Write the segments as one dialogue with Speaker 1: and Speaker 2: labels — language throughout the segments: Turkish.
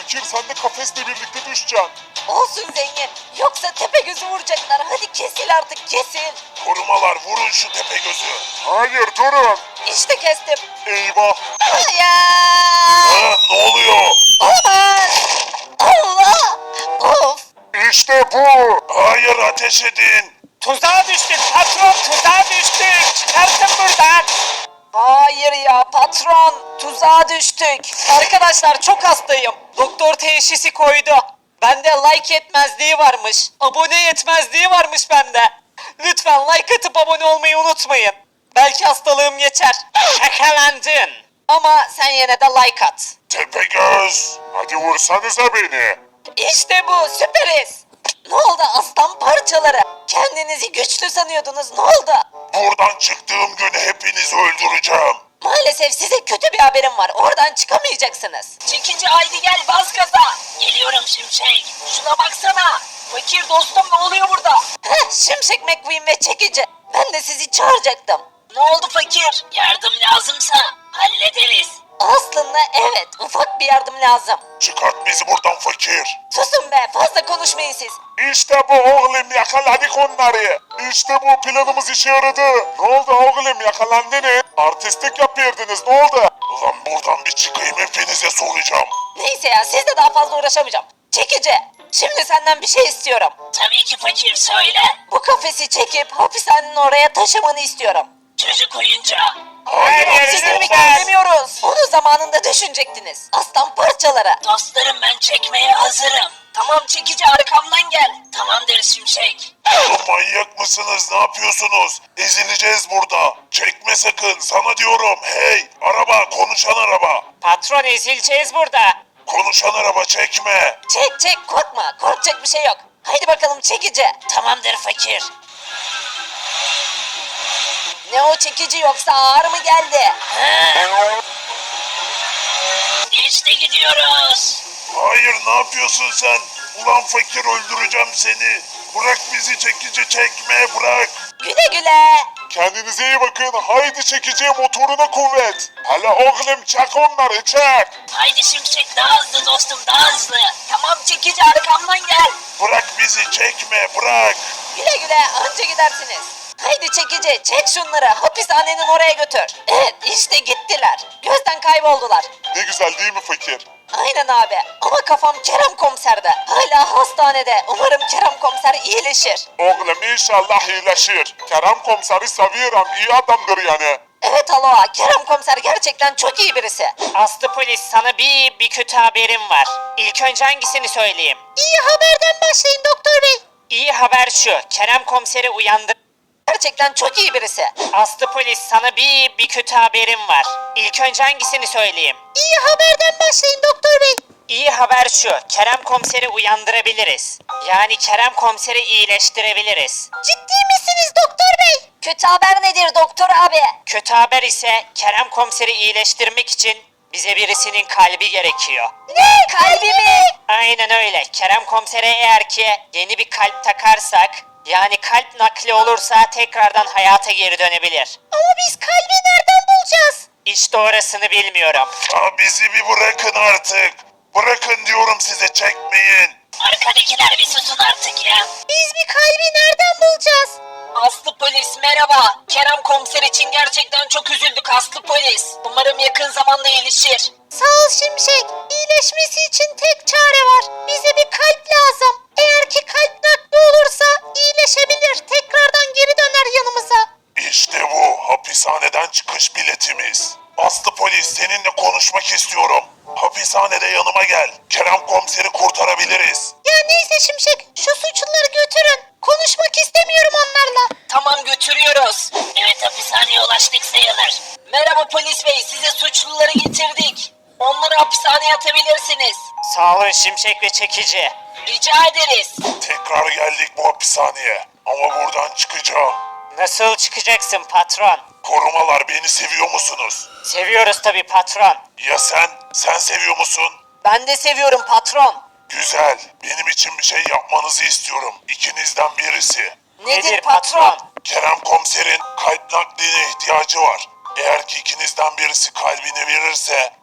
Speaker 1: fakir sen de kafesle birlikte düşeceksin.
Speaker 2: Olsun zengin. Yoksa Tepegöz'ü vuracaklar. Hadi kesil artık kesil.
Speaker 1: Korumalar vurun şu Tepegöz'ü. Hayır durun.
Speaker 2: İşte kestim.
Speaker 1: Eyvah.
Speaker 2: Hayır.
Speaker 1: Ha, ne oluyor?
Speaker 2: Olamaz. Allah. Of.
Speaker 1: İşte bu. Hayır ateş edin.
Speaker 3: Tuzağa düştük patron, tuzağa düştük. Çıkarsın buradan.
Speaker 2: Hayır ya patron. Tuzağa düştük.
Speaker 3: Arkadaşlar çok hastayım. Doktor teşhisi koydu. Bende like yetmezliği varmış. Abone yetmezliği varmış bende. Lütfen like atıp abone olmayı unutmayın. Belki hastalığım geçer. Şakalandın. Ama sen yine de like at.
Speaker 1: Tepegöz. Hadi vursanıza beni.
Speaker 2: İşte bu süperiz. Ne oldu aslan parçaları? Kendinizi güçlü sanıyordunuz ne oldu?
Speaker 1: Buradan çıktığım gün hepinizi öldüreceğim.
Speaker 2: Maalesef size kötü bir haberim var. Oradan çıkamayacaksınız.
Speaker 4: Çekici haydi gel bas gaza. Geliyorum Şimşek. Şuna baksana. Fakir dostum ne oluyor burada?
Speaker 2: Heh, Şimşek McQueen ve çekici. Ben de sizi çağıracaktım.
Speaker 4: Ne oldu fakir? Yardım lazımsa hallederiz.
Speaker 2: Aslında evet ufak bir yardım lazım.
Speaker 1: Çıkart bizi buradan fakir.
Speaker 2: Susun be fazla konuşmayın siz.
Speaker 1: İşte bu oğlum yakaladık onları. İşte bu planımız işe yaradı. Ne oldu oğlum yakalandınız? Artistlik yapıyordunuz ne oldu? Ulan buradan bir çıkayım hepinize soracağım.
Speaker 2: Neyse ya sizle daha fazla uğraşamayacağım. Çekici. Şimdi senden bir şey istiyorum.
Speaker 4: Tabii ki fakir söyle.
Speaker 2: Bu kafesi çekip hapishanenin oraya taşımanı istiyorum.
Speaker 4: Çocuk oyuncağı.
Speaker 1: Hayır
Speaker 2: Sizin mi
Speaker 1: olmaz.
Speaker 2: demiyoruz. Onu zamanında düşünecektiniz. Aslan parçaları.
Speaker 4: Dostlarım ben çekmeye hazırım. Tamam çekici arkamdan gel. Tamamdır Şimşek.
Speaker 1: Oğlum manyak mısınız ne yapıyorsunuz? Ezileceğiz burada. Çekme sakın sana diyorum. Hey araba konuşan araba.
Speaker 3: Patron ezileceğiz burada.
Speaker 1: Konuşan araba çekme.
Speaker 2: Çek çek korkma. Korkacak bir şey yok. Haydi bakalım çekici.
Speaker 4: Tamamdır fakir.
Speaker 2: Ne o çekici yoksa ağır mı geldi?
Speaker 4: İşte gidiyoruz.
Speaker 1: Hayır ne yapıyorsun sen? Ulan fakir öldüreceğim seni. Bırak bizi çekici çekme bırak.
Speaker 2: Güle güle.
Speaker 1: Kendinize iyi bakın. Haydi çekiciye motoruna kuvvet. Hele oğlum çek onları çek.
Speaker 4: Haydi Şimşek daha hızlı dostum daha hızlı. Tamam çekici arkamdan gel.
Speaker 1: Bırak bizi çekme bırak.
Speaker 2: Güle güle anca gidersiniz. Haydi çekici çek şunları hapishanenin oraya götür. Evet işte gittiler. Gözden kayboldular.
Speaker 1: Ne güzel değil mi fakir?
Speaker 2: Aynen abi ama kafam Kerem komiserde. Hala hastanede. Umarım Kerem komiser iyileşir.
Speaker 1: Oğlum inşallah iyileşir. Kerem komiseri seviyorum iyi adamdır yani.
Speaker 2: Evet aloha Kerem komiser gerçekten çok iyi birisi.
Speaker 3: Aslı polis sana bir kötü haberim var. İlk önce hangisini söyleyeyim?
Speaker 2: İyi haberden başlayın doktor bey.
Speaker 3: İyi haber şu. Kerem komiseri uyandır.
Speaker 2: Gerçekten çok iyi birisi.
Speaker 3: Aslı polis sana bir kötü haberim var. İlk önce hangisini söyleyeyim?
Speaker 2: İyi haberden başlayın doktor bey.
Speaker 3: İyi haber şu. Kerem komiseri uyandırabiliriz. Yani Kerem komiseri iyileştirebiliriz.
Speaker 2: Ciddi misiniz doktor bey? Kötü haber nedir doktor abi?
Speaker 3: Kötü haber ise Kerem komiseri iyileştirmek için bize birisinin kalbi gerekiyor.
Speaker 2: Ne? Kalbi mi?
Speaker 3: Aynen öyle. Kerem komisere eğer ki yeni bir kalp takarsak, yani kalp nakli olursa tekrardan hayata geri dönebilir.
Speaker 2: Ama biz kalbi nereden bulacağız?
Speaker 3: İşte orasını bilmiyorum.
Speaker 1: Ya bizi bir bırakın artık. Bırakın diyorum size çekmeyin.
Speaker 4: Arkadakiler bir susun artık ya.
Speaker 2: Biz bir kalbi nereden bulacağız?
Speaker 4: Aslı polis merhaba. Kerem komiser için gerçekten çok üzüldük Aslı polis. Umarım yakın zamanda iyileşir.
Speaker 2: Sağ ol Şimşek. İyileşmesi için tek çare var. Bize bir kalp lazım. Eğer ki kalp nakli olursa iyileşebilir. Tekrardan geri döner yanımıza.
Speaker 1: İşte bu hapishaneden çıkış biletimiz. Aslı polis seninle konuşmak istiyorum. Hapishanede yanıma gel. Kerem komiseri kurtarabiliriz.
Speaker 2: Ya neyse Şimşek şu suçluları götürün. Konuşmak istemiyorum onlarla.
Speaker 4: Tamam götürüyoruz. Evet hapishaneye ulaştık sayılır. Merhaba polis bey size suçluları getirdik. Onları hapishaneye atabilirsiniz.
Speaker 3: Sağ olun Şimşek ve Çekici.
Speaker 4: Rica ederiz.
Speaker 1: Tekrar geldik bu hapishaneye. Ama buradan çıkacağım.
Speaker 3: Nasıl çıkacaksın patron?
Speaker 1: Korumalar beni seviyor musunuz?
Speaker 3: Seviyoruz tabii patron.
Speaker 1: Ya sen? Sen seviyor musun?
Speaker 2: Ben de seviyorum patron.
Speaker 1: Güzel. Benim için bir şey yapmanızı istiyorum. İkinizden birisi.
Speaker 2: Nedir patron?
Speaker 1: Kerem komiserin kalp nakline ihtiyacı var. Eğer ki ikinizden birisi kalbini verirse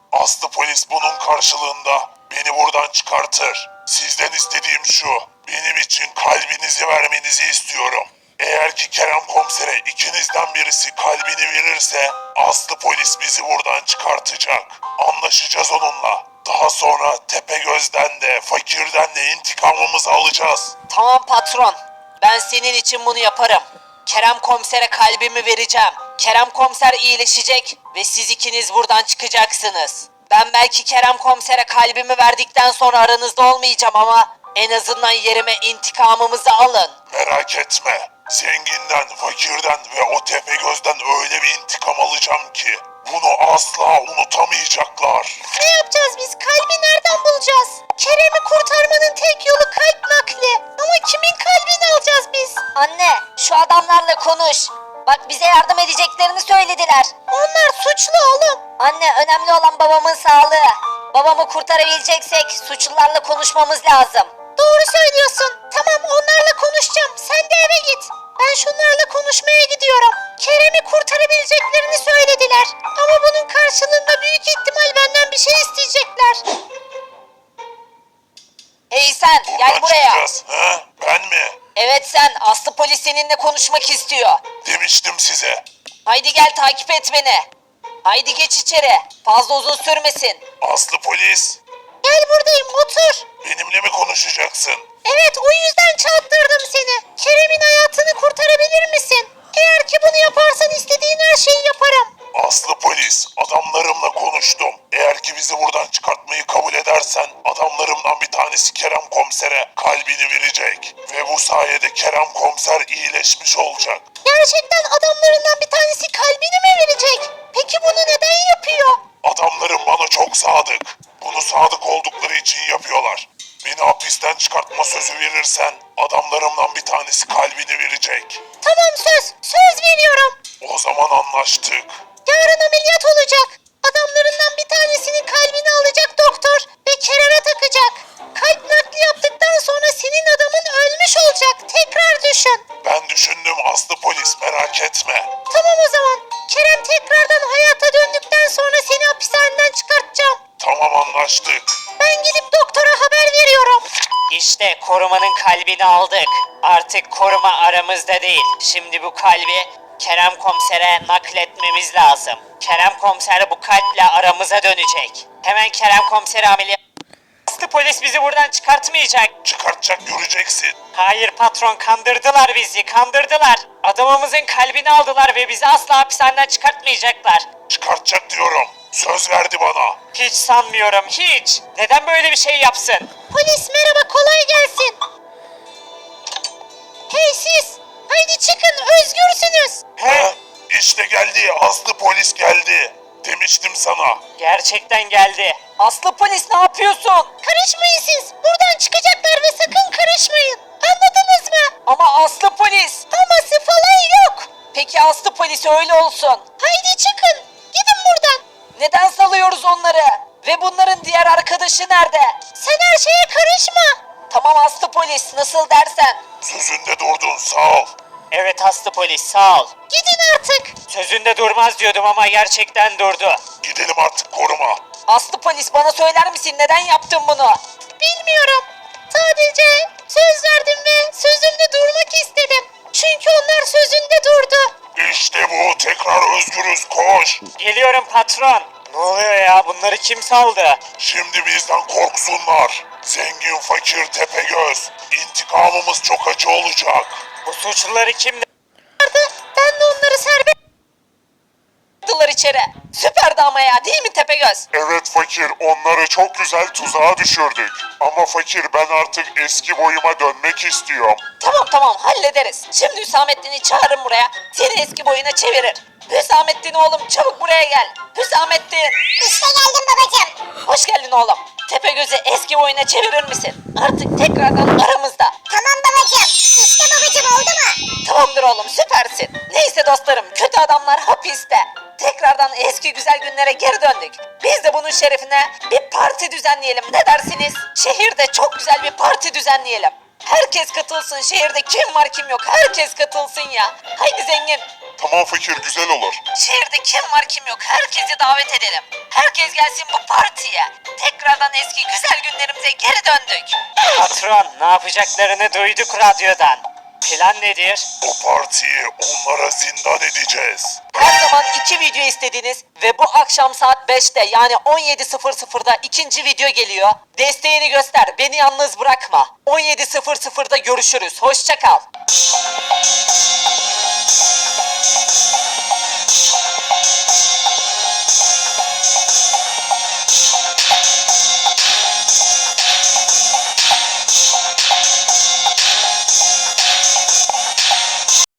Speaker 1: Aslı polis bunun karşılığında beni buradan çıkartır. Sizden istediğim şu. Benim için kalbinizi vermenizi istiyorum. Eğer ki Kerem komisere ikinizden birisi kalbini verirse Aslı polis bizi buradan çıkartacak. Anlaşacağız onunla. Daha sonra Tepegöz'den de Fakir'den de intikamımızı alacağız.
Speaker 3: Tamam patron. Ben senin için bunu yaparım. Kerem komisere kalbimi vereceğim. Kerem komiser iyileşecek ve siz ikiniz buradan çıkacaksınız. Ben belki Kerem komisere kalbimi verdikten sonra aranızda olmayacağım ama en azından yerime intikamımızı alın.
Speaker 1: Merak etme. Zenginden, fakirden ve o Tepegöz'den öyle bir intikam alacağım ki bunu asla unutamayacaklar.
Speaker 2: Ne yapacağız biz? Kalbi nereden bulacağız? Kerem'i kurtarmanın tek yolu kalp nakli. Ama kimin kalbini alacağız biz?
Speaker 5: Anne, şu adamlarla konuş. Bak bize yardım edeceklerini söylediler.
Speaker 2: Onlar suçlu oğlum.
Speaker 5: Anne, önemli olan babamın sağlığı. Babamı kurtarabileceksek suçlularla konuşmamız lazım.
Speaker 2: Doğru söylüyorsun. Tamam, onlarla konuşacağım. Sen de eve git. Ben şunlarla konuşmaya gidiyorum. Kerem'i kurtarabileceklerini söylediler. Ama bunun karşılığında büyük ihtimal benden bir şey isteyecekler.
Speaker 3: Hey sen gel
Speaker 1: Buradan
Speaker 3: buraya.
Speaker 1: çıkacağız. He? Ben mi?
Speaker 3: Evet sen, Aslı polis seninle konuşmak istiyor.
Speaker 1: Demiştim size.
Speaker 3: Haydi gel takip et beni. Haydi geç içeri. Fazla uzun sürmesin.
Speaker 1: Aslı polis.
Speaker 2: Gel buradayım, otur.
Speaker 1: Benimle mi konuşacaksın?
Speaker 2: Evet, o yüzden çağırttırdım seni. Kerem'in hayatını kurtarabilir misin? Eğer ki bunu yaparsan istediğin her şeyi yaparım.
Speaker 1: Aslı polis, adamlarımla konuştum. Eğer ki bizi buradan çıkartmayı kabul edersen adamlarımdan bir tanesi Kerem komisere kalbini verecek. Ve bu sayede Kerem komiser iyileşmiş olacak.
Speaker 2: Gerçekten adamlarından bir tanesi kalbini mi verecek? Peki bunu neden yapıyor?
Speaker 1: Adamlarım bana çok sadık. Bunu sadık oldukları için yapıyorlar. Beni hapisten çıkartma sözü verirsen adamlarımdan bir tanesi kalbini verecek.
Speaker 2: Tamam, söz veriyorum.
Speaker 1: O zaman anlaştık.
Speaker 2: Yarın ameliyat olacak. Adamlarından bir tanesinin kalbini alacak doktor ve Kerem'e takacak. Kalp nakli yaptıktan sonra senin adamın ölmüş olacak. Tekrar düşün.
Speaker 1: Ben düşündüm Aslı polis, merak etme.
Speaker 2: Tamam o zaman. Kerem tekrardan hayata döndükten sonra seni hapishaneden çıkartacağım.
Speaker 1: Tamam, anlaştık.
Speaker 2: Ben gidip doktora haber veriyorum.
Speaker 3: İşte korumanın kalbini aldık. Artık koruma aramızda değil. Şimdi bu kalbi Kerem komisere nakletmemiz lazım. Kerem komiser bu kalple aramıza dönecek. Hemen Kerem komiseri ameliyat... Aslı polis bizi buradan çıkartmayacak.
Speaker 1: Çıkartacak, göreceksin.
Speaker 3: Hayır patron, kandırdılar bizi, kandırdılar. Adamımızın kalbini aldılar ve bizi asla hapishaneden çıkartmayacaklar.
Speaker 1: Çıkartacak diyorum. Söz verdi bana.
Speaker 3: Hiç sanmıyorum, hiç. Neden böyle bir şey yapsın?
Speaker 2: Polis merhaba, kolay gelsin. Hey siz, haydi çıkın, özgürsünüz.
Speaker 1: He? İşte geldi, Aslı polis geldi. Demiştim sana.
Speaker 3: Gerçekten geldi. Aslı polis ne yapıyorsun?
Speaker 2: Karışmayın siz, buradan çıkacaklar ve sakın karışmayın. Anladınız mı?
Speaker 3: Ama Aslı polis.
Speaker 2: Aması falan yok.
Speaker 3: Peki Aslı polis öyle olsun.
Speaker 2: Haydi çıkın, gidin buradan.
Speaker 3: Neden salıyoruz onları? Ve bunların diğer arkadaşı nerede?
Speaker 2: Sen her şeye karışma.
Speaker 3: Tamam Aslı polis, nasıl dersen.
Speaker 1: Sözünde durdun, sağ ol.
Speaker 3: Evet Aslı polis, sağ ol.
Speaker 2: Gidin artık.
Speaker 3: Sözünde durmaz diyordum ama gerçekten durdu.
Speaker 1: Gidelim artık, koruma.
Speaker 3: Aslı polis, bana söyler misin neden yaptın bunu?
Speaker 2: Bilmiyorum. Sadece söz verdim ve sözümde durmak istedim. Çünkü onlar sözünde durdu.
Speaker 1: İşte bu, tekrar özgürüz, koş.
Speaker 3: Geliyorum patron. Ne oluyor ya, bunları kim saldı?
Speaker 1: Şimdi bizden korksunlar. Zengin, fakir, Tepegöz. İntikamımız çok acı olacak.
Speaker 3: Bu suçluları kim
Speaker 2: Ben de onları serbest...
Speaker 3: attılar içeri? Süperdi ama ya, değil mi Tepegöz?
Speaker 1: Evet fakir, onları çok güzel tuzağa düşürdük. Ama fakir, ben artık eski boyuma dönmek istiyorum.
Speaker 3: Tamam hallederiz. Şimdi Hüsamettin'i çağırın buraya. Seni eski boyuna çevirir. Hüsamettin oğlum, çabuk buraya gel. Hüsamettin.
Speaker 5: İşte geldim babacığım.
Speaker 3: Hoş geldin oğlum. Tepegöz'ü eski boyuna çevirir misin? Artık tekrardan aramızda.
Speaker 5: Tamam babacığım. İşte babacığım, oldu mu?
Speaker 3: Tamamdır oğlum, süpersin. Neyse dostlarım, kötü adamlar hapiste. Tekrardan eski güzel günlere geri döndük. Biz de bunun şerefine bir parti düzenleyelim, ne dersiniz? Şehirde çok güzel bir parti düzenleyelim. Herkes katılsın, şehirde kim var kim yok herkes katılsın ya. Haydi zengin.
Speaker 1: Tamam fakir, güzel olur.
Speaker 4: Şehirde kim var kim yok herkesi davet edelim. Herkes gelsin bu partiye. Tekrardan eski güzel günlerimize geri döndük.
Speaker 3: Patron, ne yapacaklarını duyduk radyodan. Plan nedir?
Speaker 1: O partiyi onlara zindan edeceğiz.
Speaker 3: Her zaman 2 video istediniz ve bu akşam saat 5'te yani 17.00'da ikinci video geliyor. Desteğini göster, beni yalnız bırakma. 17.00'da görüşürüz, hoşça kal.